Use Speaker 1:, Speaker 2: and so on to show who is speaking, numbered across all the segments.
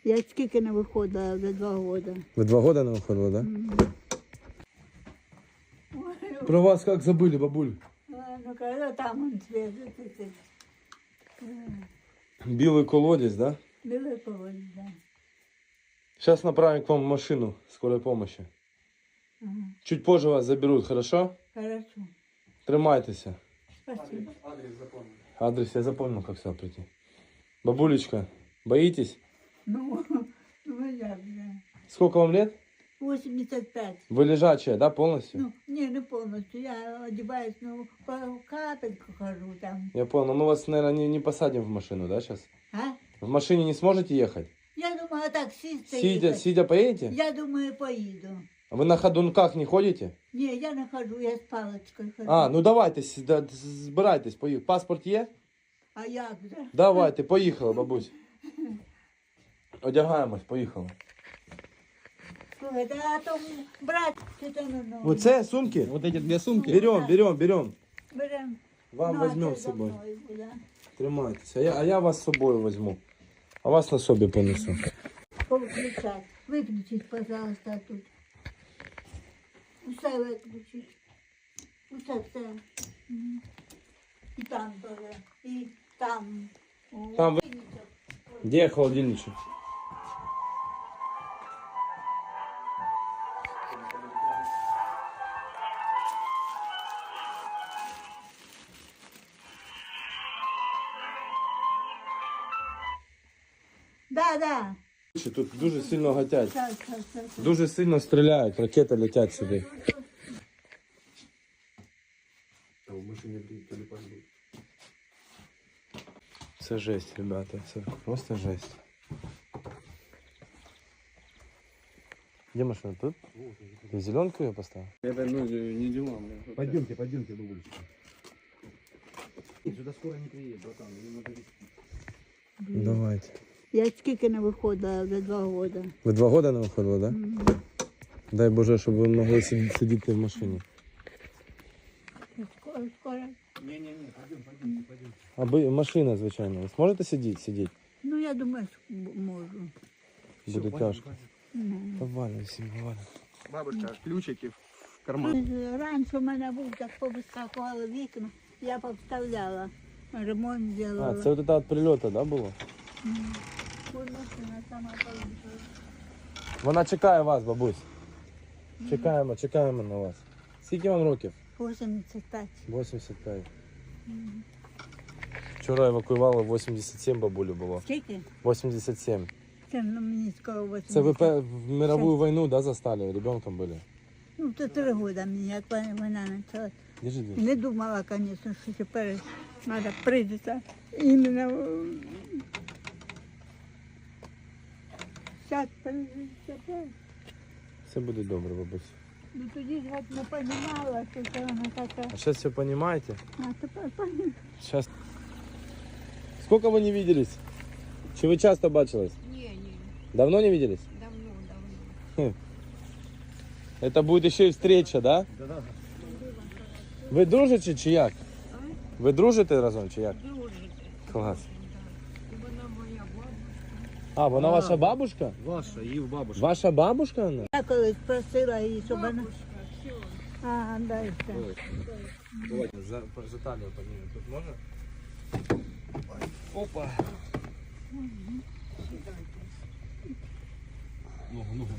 Speaker 1: Я скільки не виходила, вже 2 роки.
Speaker 2: Вы 2 года не выходила, да? Про вас как забыли, бабуль?
Speaker 1: Ну, коли там он свіжий,
Speaker 2: Белый колодец, да?
Speaker 1: білий колодязь, да.
Speaker 2: Сейчас направим к вам машину скорой помощи.
Speaker 1: Ага.
Speaker 2: Чуть позже вас заберут, хорошо?
Speaker 1: Хорошо.
Speaker 2: Тримайтеся.
Speaker 1: Спасибо.
Speaker 2: Адрес я запомнил, как сюда прийти. Бабулечка, боитесь?
Speaker 1: Ну як же.
Speaker 2: Сколько вам лет?
Speaker 1: 85.
Speaker 2: Вы лежачая, да, полностью?
Speaker 1: Ну, не повністю. Я одягаюсь, ну, по капельку хожу там.
Speaker 2: Я понял. Мы вас, наверное, не посадим в машину, да, сейчас?
Speaker 1: А?
Speaker 2: В машине не сможете ехать?
Speaker 1: Я думаю, так сісти.
Speaker 2: Сидя поедете?
Speaker 1: Я думаю, поїду.
Speaker 2: А вы на ходунках не ходите?
Speaker 1: Ні, я не хожу, я з паличкою хожу.
Speaker 2: А, ну давайте, збирайтесь, поїхали. Паспорт є?
Speaker 1: А як же?
Speaker 2: Давайте, поїхали, бабусь. Одягаємось, поїхали.
Speaker 1: Слухайте, а то брат, чи то ну.
Speaker 2: Оце сумки?
Speaker 3: Вот эти 2 сумки.
Speaker 2: Берем.
Speaker 1: Берем.
Speaker 2: Вам
Speaker 1: Ну,
Speaker 2: возьмем
Speaker 1: це
Speaker 2: з
Speaker 1: за
Speaker 2: собою.
Speaker 1: мною буде.
Speaker 2: Тримайтесь. А я вас з собою возьму. А вас на собі понесу.
Speaker 1: Повключать. Виключіть, пожалуйста, тут. Усе виключіть. Все. Мгм. І там теж. І там. О,
Speaker 2: Там ви-
Speaker 1: виключіть.
Speaker 2: Де холодильничок?
Speaker 1: Да.
Speaker 2: Тут дуже сильно гатять.
Speaker 1: Так.
Speaker 2: Дуже сильно стріляють, ракети летять сюди. Це жесть, ребята, це просто жесть. Где машина? Тут? Ты зеленку ее поставил?
Speaker 3: Это ну, не дела.
Speaker 4: Пойдемте, бабулечка. Сюда скоро не приедет, братан. Ее надо везти.
Speaker 2: Давайте.
Speaker 1: Я скільки не виходила, вже 2 роки.
Speaker 2: Ви 2 года не виходили, да? Дай Боже, щоб ви могли сидіти в машині.
Speaker 1: Скоро.
Speaker 4: Не-не-не, пойдемте.
Speaker 2: Аби машина, звичайно. Ви зможете сидіти?
Speaker 1: Ну, я думаю, що можу.
Speaker 2: Буде тяжко.
Speaker 1: Ну.
Speaker 2: Повально всім, повально.
Speaker 3: Бабушка, ключики в карман.
Speaker 1: Раніше в мене був, так повискакували вікна, я повставляла. Ремонт
Speaker 2: А,
Speaker 1: зробила.
Speaker 2: це от це від прильоту, да, було?
Speaker 1: Ось машина сама поїхала.
Speaker 2: Вона чекає вас, бабусь. Чекаємо на вас. Скільки вам років?
Speaker 1: 85.
Speaker 2: 85. Вчора евакуювали 87 бабулю було.
Speaker 1: Скільки?
Speaker 2: 87.
Speaker 1: Це мені скоро 80.
Speaker 2: Це ви в мировую війну, да, застали? Ребенком були?
Speaker 1: Ну, то 3 роки мені, як вона почала.
Speaker 2: Держи.
Speaker 1: Не думала, звісно, що тепер треба прийдеться іменно. Зараз прийдеться.
Speaker 2: Все буде добре, бабусь.
Speaker 1: Ну тоді ж от не розуміла, що це вона така.
Speaker 2: А сейчас все понимаете?
Speaker 1: А тепер розумію.
Speaker 2: Сейчас. Сколько вы не виделись? Чи вы часто бачились?
Speaker 5: Не,
Speaker 2: Давно не виделись?
Speaker 5: давно.
Speaker 2: Это будет еще и встреча, да?
Speaker 4: Да-да.
Speaker 2: Ви дружите чи як? Ви дружите разом чи як?
Speaker 5: Дружите.
Speaker 2: Клас.
Speaker 5: Вона моя бабушка.
Speaker 2: А, вона ваша бабушка?
Speaker 4: Ваша, Ив бабушка.
Speaker 2: Ваша бабушка вона?
Speaker 1: Я колись просила її, щоб вона...
Speaker 5: Бабушка, все.
Speaker 1: А, дай все.
Speaker 2: Давайте за талию поднимем. Тут можно? Опа.
Speaker 4: Ногу.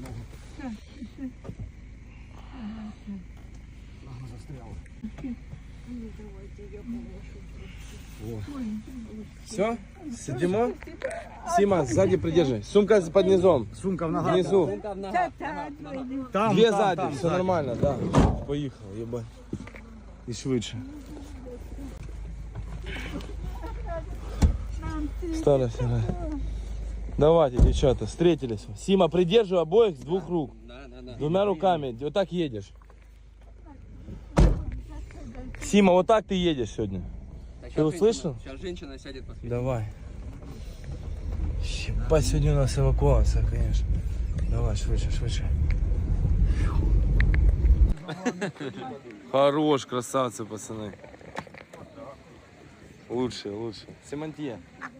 Speaker 4: Нога застряла.
Speaker 5: Ну, давайте я положу.
Speaker 2: Все? Сидимо? Сима, сзади придержи. Сумка под низом.
Speaker 4: Сумка в ногах.
Speaker 2: Внизу.
Speaker 4: Там,
Speaker 2: Две
Speaker 4: там,
Speaker 2: сзади,
Speaker 4: там,
Speaker 2: все
Speaker 4: сзади.
Speaker 2: нормально, да. Поїхав, єбать. І швидше. Старая. Давайте, девчата, встретились. Сима, придерживай обоих с 2 рук. 2 руками. Вот так едешь. Сима, вот так ты едешь сегодня. Ты услышал?
Speaker 3: Сейчас женщина сядет после.
Speaker 2: Давай. Ебать, сегодня у нас эвакуация, конечно. Давай, швидше. Хорош, красавцы, пацаны. Лучше. Семантье.